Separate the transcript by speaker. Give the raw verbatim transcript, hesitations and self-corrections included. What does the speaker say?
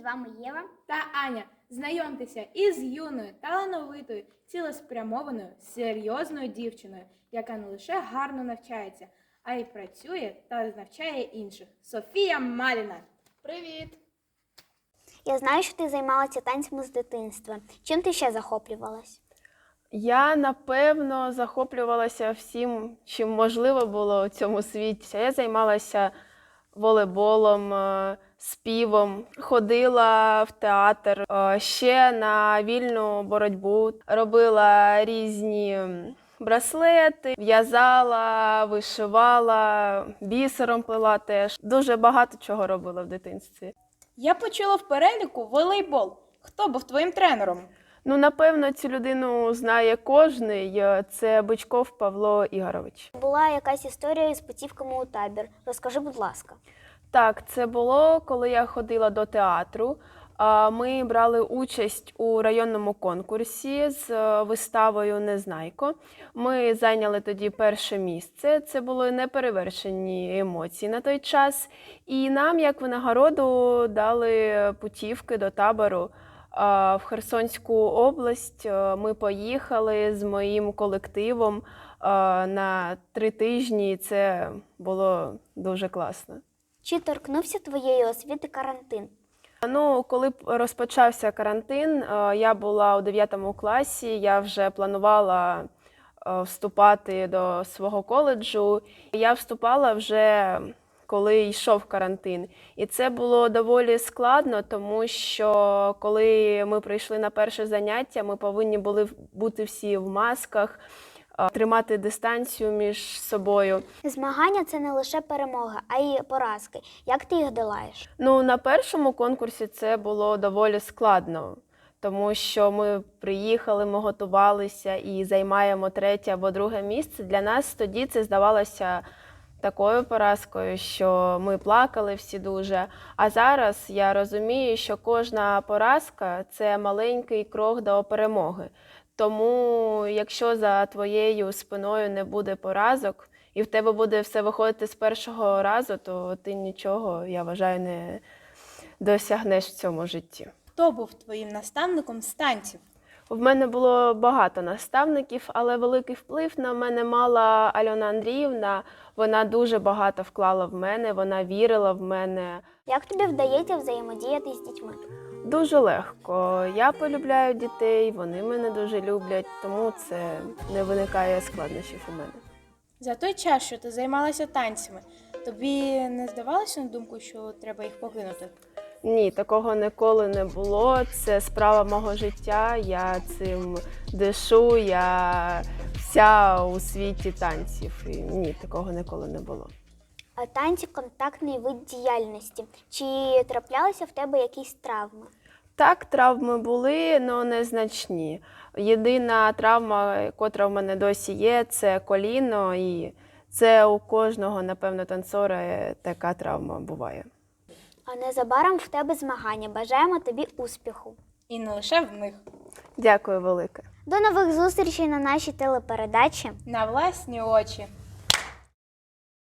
Speaker 1: вами Єва
Speaker 2: та Аня. Знайомтеся із юною, талановитою, цілеспрямованою, серйозною дівчиною, яка не лише гарно навчається, а й працює та навчає інших. Софія Маліна.
Speaker 3: Привіт!
Speaker 1: Я знаю, що ти займалася танцями з дитинства. Чим ти ще захоплювалась?
Speaker 3: Я, напевно, захоплювалася всім, чим можливо було у цьому світі. Я займалася волейболом, е, співом, ходила в театр, е, ще на вільну боротьбу, робила різні браслети, в'язала, вишивала, бісером плела теж. Дуже багато чого робила в дитинстві.
Speaker 2: Я почула в переліку волейбол. Хто був твоїм тренером?
Speaker 3: Ну, напевно, цю людину знає кожний. Це Бичков Павло Ігорович.
Speaker 1: Була якась історія із путівками у табір. Розкажи, будь ласка.
Speaker 3: Так, це було, коли я ходила до театру. А, Ми брали участь у районному конкурсі з е, виставою «Незнайко». Ми зайняли тоді перше місце. Це були неперевершені емоції на той час. І нам, як винагороду, дали путівки до табору а, в Херсонську область. Е, Ми поїхали з моїм колективом а, на три тижні, і це було дуже класно.
Speaker 1: Чи торкнувся твоєї освіти карантин?
Speaker 3: Ну, коли б розпочався карантин, е, я була у дев'ятому класі, я вже планувала е, вступати до свого коледжу. Я вступала вже, коли йшов карантин. І це було доволі складно, тому що коли ми прийшли на перше заняття, ми повинні були бути всі в масках, е, тримати дистанцію між собою.
Speaker 1: Змагання – це не лише перемога, а й поразки. Як ти їх долаєш?
Speaker 3: Ну, на першому конкурсі це було доволі складно, тому що ми приїхали, ми готувалися і займаємо третє або друге місце. Для нас тоді це здавалося такою поразкою, що ми плакали всі дуже. А зараз я розумію, що кожна поразка – це маленький крок до перемоги. Тому, якщо за твоєю спиною не буде поразок, і в тебе буде все виходити з першого разу, то ти нічого, я вважаю, не досягнеш в цьому житті.
Speaker 2: Хто був твоїм наставником з танців?
Speaker 3: В мене було багато наставників, але великий вплив на мене мала Альона Андріївна. Вона дуже багато вклала в мене, вона вірила в мене.
Speaker 1: Як тобі вдається взаємодіяти з дітьми?
Speaker 3: Дуже легко. Я полюбляю дітей, вони мене дуже люблять, тому це не виникає складнощів у мене.
Speaker 2: За той час, що ти займалася танцями, тобі не здавалося на думку, що треба їх покинути?
Speaker 3: Ні, такого ніколи не було. Це справа мого життя, я цим дишу, я вся у світі танців. І ні, такого ніколи не було.
Speaker 1: А танці – контактний вид діяльності. Чи траплялися в тебе якісь травми?
Speaker 3: Так, травми були, але незначні. Єдина травма, котра в мене досі є, це коліно. І це у кожного, напевно, танцора така травма буває.
Speaker 1: А незабаром в тебе змагання. Бажаємо тобі успіху.
Speaker 2: І не лише в них.
Speaker 3: Дякую велике.
Speaker 1: До нових зустрічей на нашій телепередачі.
Speaker 2: На власні очі.